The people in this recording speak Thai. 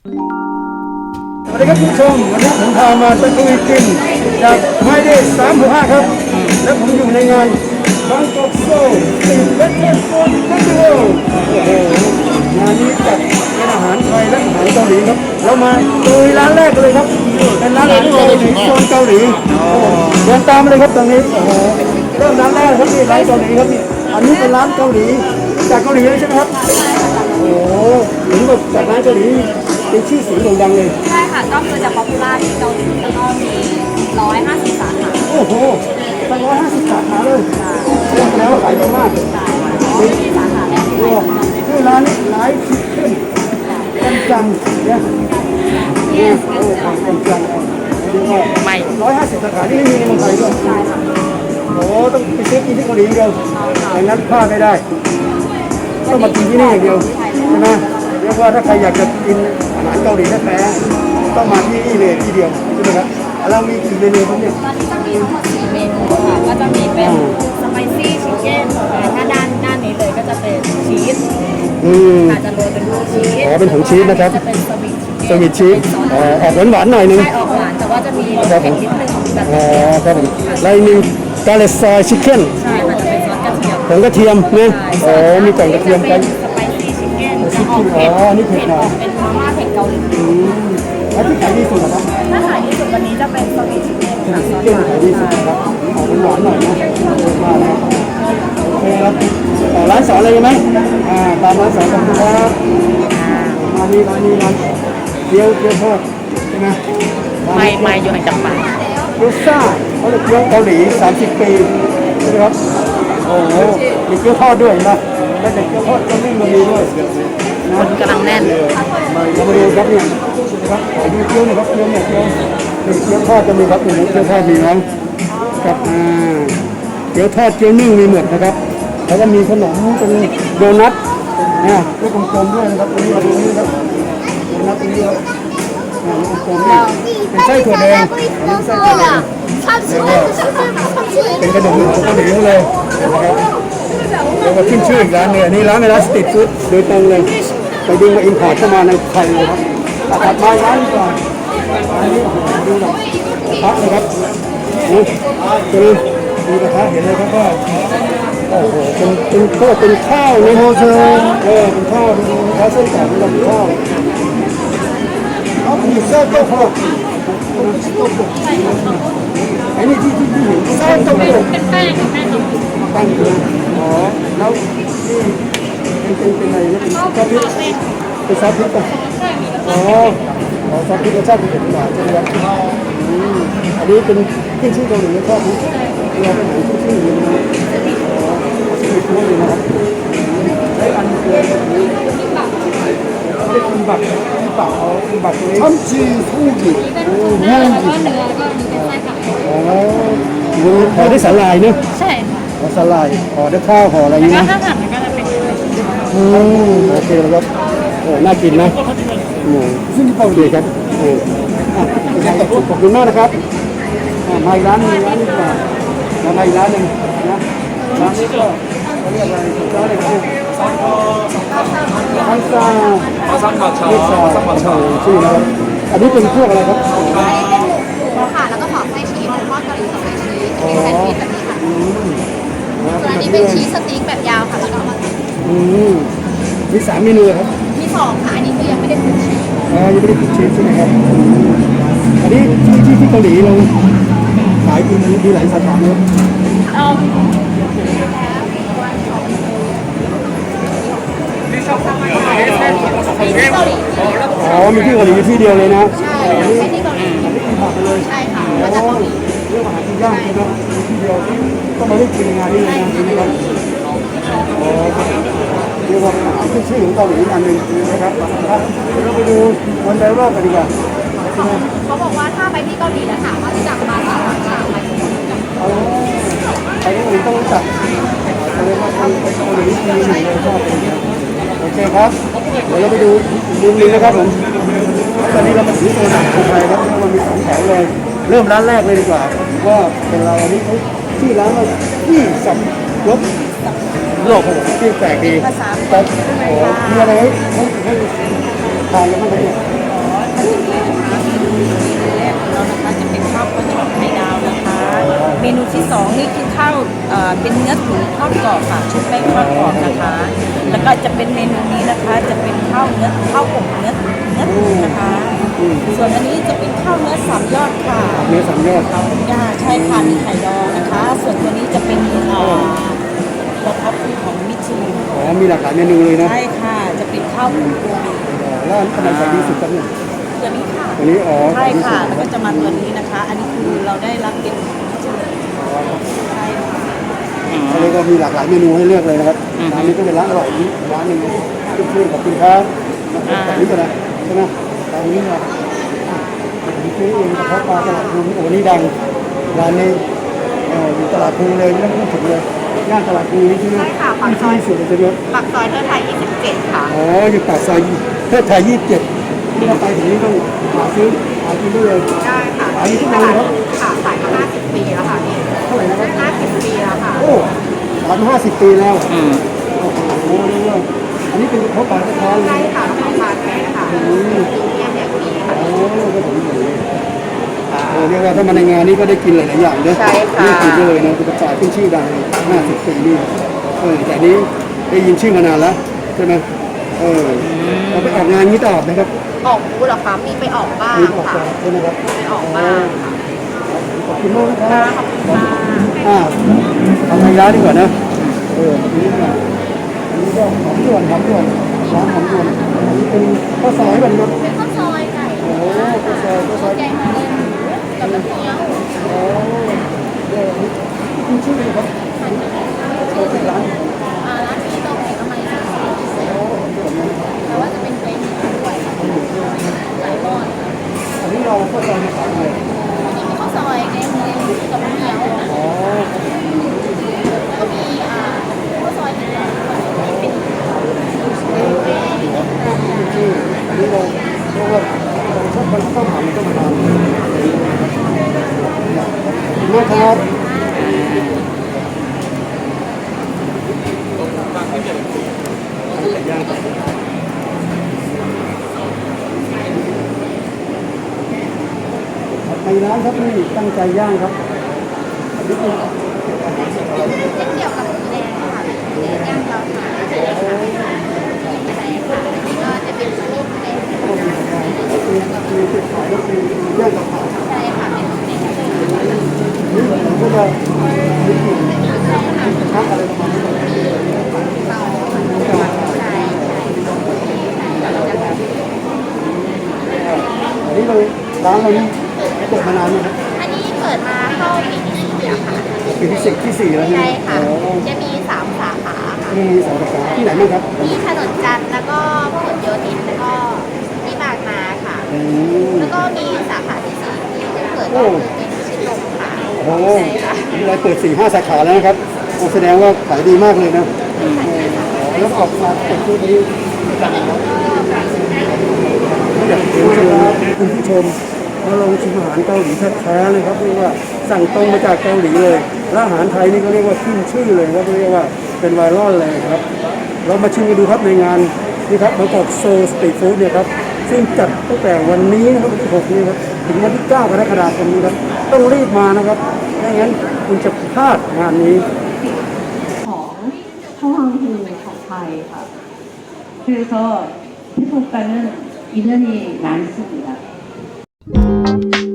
สวัสดีครับคุณผู้ชมวันนี้ผมพามาตะลุยกินจากไฮเดย์365ครับและผมอยู่ในงานบางกอกโซลติดเวทเทิร์นโฟนเฟสติวัลงานนี้จัดเป็นอาหารไทยและอาหารเกาหลีครับเรามาลุยร้านแรกเลยครับเป็นร้านอาหารเกาหลีโซนเกาหลีเดินตามเลยครับตรงนี้โอ้โหเริ่มร้านแรกครับนี่ร้านเกาหลีครับนี่อันนี้เป็นร้านเกาหลีจากเกาหลีเลยใช่ไหมครับโอ้โหเหมือนแบบจากร้านเกาหลีเป็นชื่อเสียงโด่งดังเลยใช่ค่ะก็คือจะป๊อปปูล่าที่เกาหลีแล้วก็มี150 สาขาโอ้โหตั้ง150 สาขาเลยแล้วขายดีมากมีสาขาแรกที่ไหนชื่อร้านนี้ไลฟ์ชิคเก้นกันจังเนี่ยโอ้กันจังใหม่ 150 สาขาที่ไม่มีในเมืองไทยด้วยใช่ค่ะโอ้ต้องไปซื้อกินที่เกาหลีอย่างเดียวอย่างนั้นพลาดไม่ได้ต้องมากินที่นี่อย่างเดียวใช่ไหมเรียกว่าถ้าใครอยากจะกินอาหารเกาหลีแท้ๆต้องมาที่นี่เลยที่เดียวใช่ไหมครับเรามีกี่เมนูครับเนี่ยตอนนี้จะมีทั้งหมด4 เมนูค่ะก็จะมีเป็นสไปซี่ชิคเก้นถ้าด้านนี้เลยก็จะเป็นชีสอาจจะโรยเป็นผงชีสอ๋อเป็นผงชีสนะครับจะเป็นสวิตชีสออกหวานๆหน่อยนึงใช่ออกหวานแต่ว่าจะมีเผ็ดนิดนึงแบบอ๋อครับผมแล้วอีกหนึ่งกาเลซอยชิคเก้นใช่ค่ะจะเป็นซอสกระเทียมผงกระเทียมเนี่ยอ๋อมีกล่องกระเทียมกันสไปซี่ชิคเก้นจะออกเผ็ดนี่เผ็ดหน่อยเป็นมาม่าเผ็ดเกาหลีแล้วที่ขายดีสุดนะครับถ้าขายดีสุดวันนี้จะเป็นสวิตชิคเก้นค่ะชิคเก้นขายดีสุดครับออกหวานหน่อยนะมาแล้วโอเคครับร้านสอนเลยไหมตามร้านสอนกันครับมานี่ร้านเกี๊ยวทอดใช่ไหมไม่อยู่ห่างจากปากเกี๊ยวซ่าเขาเรียกเกี๊ยวเกาหลี30 ปีใช่ไหมครับโอ้โหมีเกี๊ยวทอดด้วยนะแล้วเด็กเกี๊ยวทอดก็วิ่งมาดีด้วยคนกำลังแน่นเรามาดูครับเนี่ยนะครับดูเกี๊ยวหน่อยครับเกี๊ยวเนี่ยเกี๊ยวทอดจะมีครับเนี่ยเกี๊ยวทอดมีนะครับเกี๊ยวทอดเกี๊ยวนึ่งมีหมดนะครับแล้วก็มีขนมเป็นโดนัทเนี่ยด้วยกลมๆด้วยนะครับตรงนี้มาดูนี่ครับโดนัทตรงนี้ครับกลมๆนี่เป็นไส้ถั่วแดงอันนี้ไส้ถั่วแดงเป็นขนมของเกาหลีเลยนะครับเดี๋ยวมาขึ้นชื่ออีกร้านเนี่ยนี่ร้านในร้านสตรีทฟู้ดโดยตรงเลยไปดึงมาอินพอร์ตเข้ามาในไทยเลยครับตัดไม้ร้านก่อนอันนี้ดูหน่อยพักนะครับนี่คือดูกระทะเห็นเลยครับว่าโอ้โหเป็นข้าวในโฮเซลเป็นข้าวดูข้าวเส้นไก่เป็นข้าวเอาผีเสื้อโต๊ะครับไอ้นี่ที่เห็นเสื้อโต๊ะเป็นแป้งอยู่อ๋อแล้วนี่เป็นอะไรนะเป็นซอสพริกเป็นซอสพริกป่ะอ๋อซอสพริกรสชาติเป็นหวานใช่ไหมครับอันนี้เป็นขึ้นชื่อเกาหลีชอบนี้เราเป็นหนังขึ้นชื่ออยู่นะชื่อฟู้ดเลยนะครับไอ้อันคือเป็นคิมบับที่เปล่าเอาคิมบับตัวนี้참치소고기 เนื้อแล้วก็เนื้อก็มีเป็นไส้ผักห่อด้วยสาหร่ายเนอะใช่ห่อสาหร่ายห่อด้วยข้าวห่ออะไรอย่างนี้นะถ้าผัดมันก็จะเป็นโอเคแล้วครับโอ้น่ากินนะซึ่งเกาหลีครับขอบคุณมากนะครับมาอีกร้านนึงดีกว่ามาอีกร้านนึงนะร้านนี้ก็เขาเรียกอะไรร้านอะไรครับฮันซาซังผัดชาชื่อนะครับอันนี้เป็นพวกอะไรครับอันนี้เป็นหมูค่ะแล้วก็หอมไส้ชีสทอดเกาหลีกับไส้ชีสเป็นแซนด์วิชแบบนี้ค่ะส่วนอันนี้เป็นชีสสติ๊กแบบยาวค่ะแล้วก็เอามามี3 เมนูครับมี2ค่ะอันนี้คือยังไม่ได้คลุกชีสยังไม่ได้คลุกชีสใช่ไหมครับอันนี้ที่เกาหลีเราขายกินมีหลายสาขาเลยมีที่เกาหลีที่เดียวเลยนะใช่ที่เกาหลีเลยใช่ค่ะมาจากเกาหลีเรื่องอาหารที่ย่างนะที่เดียวก็มาได้กินงานนี้เลยนะครับเรียกว่าขึ้นชื่อของเกาหลีอันหนึ่งนะครับเราไปดูวันไดโร่กันดีกว่าเขาบอกว่าถ้าไปที่เกาหลีแล้วถามว่ารู้จักมาสาขาไหมไปที่อื่นต้องรู้จักแสดงว่าคนเกาหลีมีหนึ่งเลยชอบโอเคครับเดี๋ยวเราไปดูมุมนี้นะครับผมตอนนี้เรามาซื้อตัวหนังของไทยครับมันมี2 แถวเลยเริ่มร้านแรกเลยดีกว่าว่าเป็นเราอันนี้เขาชื่อร้านว่าที่สับรบโลกที่แปลกดีแต่มีอะไรให้ทานกันบ้างเนี่ยแรกของเรานะคะจะเป็นข้าวกระชอนไข่ดาวนะคะ เมนูที่สองนี่คือข้าวเป็นเนื้อตุ๋นทอดกรอบค่ะชุบแป้งทอดกรอบนะคะ แล้วก็จะเป็นเมนูนี้นะคะจะเป็นข้าวอบเนื้อตุ๋นนะคะ ส่วนอันนี้จะเป็นข้าวเนื้อสามยอดค่ะเนื้อสามยอดย่าใช่ค่ะมีไข่ดองนะคะ ส่วนตัวนี้จะเป็นกระเพาะปลาของมิชลินอ๋อมีหลากหลายเมนูเลยนะใช่ค่ะจะเป็นข้าวหมูโกเบแล้วอันไหนขายดีสุดครับเนี่ยตัวนี้ค่ะตัวนี้อ๋อใช่ขายดีสุค่ะดแล้วก็จะมาตัวนี้นะคะ อันนี้คือเราได้รับเกียรติใช่ค่ะเขาเรียกว่ามีหลากหลายเมนูให้เลือกเลยนะครับร้านนี้ก็เป็นร้านอร่อยอีกร้านหนึ่งขึ้นชื่อขอบคุณครับแต่นี้ก็นะใช่ไหมร้านนี้นะผมซื้อเองกระเพาะปลาตลาดภูโอ้นี่ดังร้านนี้อยู่ตลาดภูเลยไม่ต้องพูดถึงเลยย่านตลาดภูนี่ใช่ไหมใช่ค่ะปากซอยที่สุดเลยใช่ไหมปากซอยเทิดไทย 27 ค่ะอ๋ออยู่ปากซอยเทิดไทย27ที่เราไปถึงนี้ต้องหาซื้อหากินได้เลยได้ค่ะอันนี้ทุกวันเลยครับค่ะขายมา50 ปีแล้วค่ะพี่เท่าไหร่นะครับ 50 ปีแล้วค่ะโอ้ร้าน50 ปีแล้วโอ้โหเรียกว่าอันนี้เป็นกระเพาะปลาแท้ๆเลใช่ยค่ะของปลาแท้ค่ะอืมเรียนอย่างดีค่ะโอ้ก็ผมเห็นเลยเรียกว่าถ้ามาในงานนี้ก็ได้กินหลายๆอย่างด้วยใช่ค่ะนี่กินเลยนะเป็นกระต่ายขึ้นชื่อดังเลย50 ปีนี่แต่นี้ได้ยินชื่อมานานแล้วใช่ไหมเราไปออกงานนี้ตลอดนะครับออกบูธเหรอคะมีไปออกบ้างมีออกค่ะตลอดใช่ไหมครับไปออกบ้างค่ะขอบคุณมากนะครับขอบคุณค่ะทำไทยร้านดีกว่านะอันนี้ก็อันนี้ก็หอมด่วนร้านหอมด่วนอันนี้เป็นข้าวซอยแบบนี้เป็นข้าวซอยไก่โอ้ข้าวซอยแกงมาเลยกับน้ำเงี้ยวโอ้เดี๋ยวคุณชื่ออะไรครับเปิดร้านร้านนี้เราแข่งกันมาแต่ว่าจะเป็นเฟรนช์ด้วยหลายรอดอันนี้เราข้าวซอยมาขายเลยอันนี้มีข้าวซอยแกงมาเลยกับน้ำเงี้ยวอ๋อแล้วก็มีข้าวซอยเป็นแบบเป็นชื่ออันนี้เราเรียกว่าเราชอบข้าวหอมมันก็มานานขอบคุณมากครับในร้านครับนี่ตั้งใจย่างครับอันนี้เป็นจะเกี่ยวกับหมูแดงค่ะหมูแดงย่างเราค่ะใช่ค่ะใช่ค่ะอันนี้ก็จะเป็นลูกแดงมีจุดขายก็คือย่างกับผักใช่ค่ะเป็นหมูแดงเลยนี่ผมก็จะมีกลิ่นชักอะไรประมาณนี้เตาใช่อันนี้เราร้านเรานี่เปิดมานานไหมครับอันนี้เปิดมาเข้าปีที่4แล้วค่ะปีที่สี่แล้วใช่ค่ะโอ้จะมี3 สาขาค่ะมีสองสาขาที่ไหนบ้างครับที่ถนนจันทร์แล้วก็พหลโยธินแล้วก็ที่บางนาค่ะอืมแล้วก็มีสาขาที่4ที่จะเปิดก็คือเป็นชิดลมค่ะโอ้โหใช่ค่ะนี่เราเปิด4-5 สาขาแล้วนะครับโอ้แสดงว่าขายดีมากเลยนะแล้วออกมาเปิดที่นี้อยากเชิญชวนคุณผู้ชมมาลองชิมอาหารเกาหลีแท้ๆเลยครับเรียกว่าสั่งตรงมาจากเกาหลีเลยและอาหารไทยนี่ก็เรียกว่าขึ้นชื่อเลยครับเรียกว่าเป็นไวรัลเลยครับเรามาชิมกันดูครับในงานนี่ครับบางกอกโซสตรีทฟู้ดเนี่ยครับซึ่งจัดตั้งแต่วันนี้นะครับวันที่6นี้ครับถึงวันที่9 กรกฎาคมนี้ครับต้องรีบมานะครับไม่งั้นคุณจะพลาดงานนี้ของท่องฮูของไทยค่ะ 그래서 태국가는 인연이 많습니다.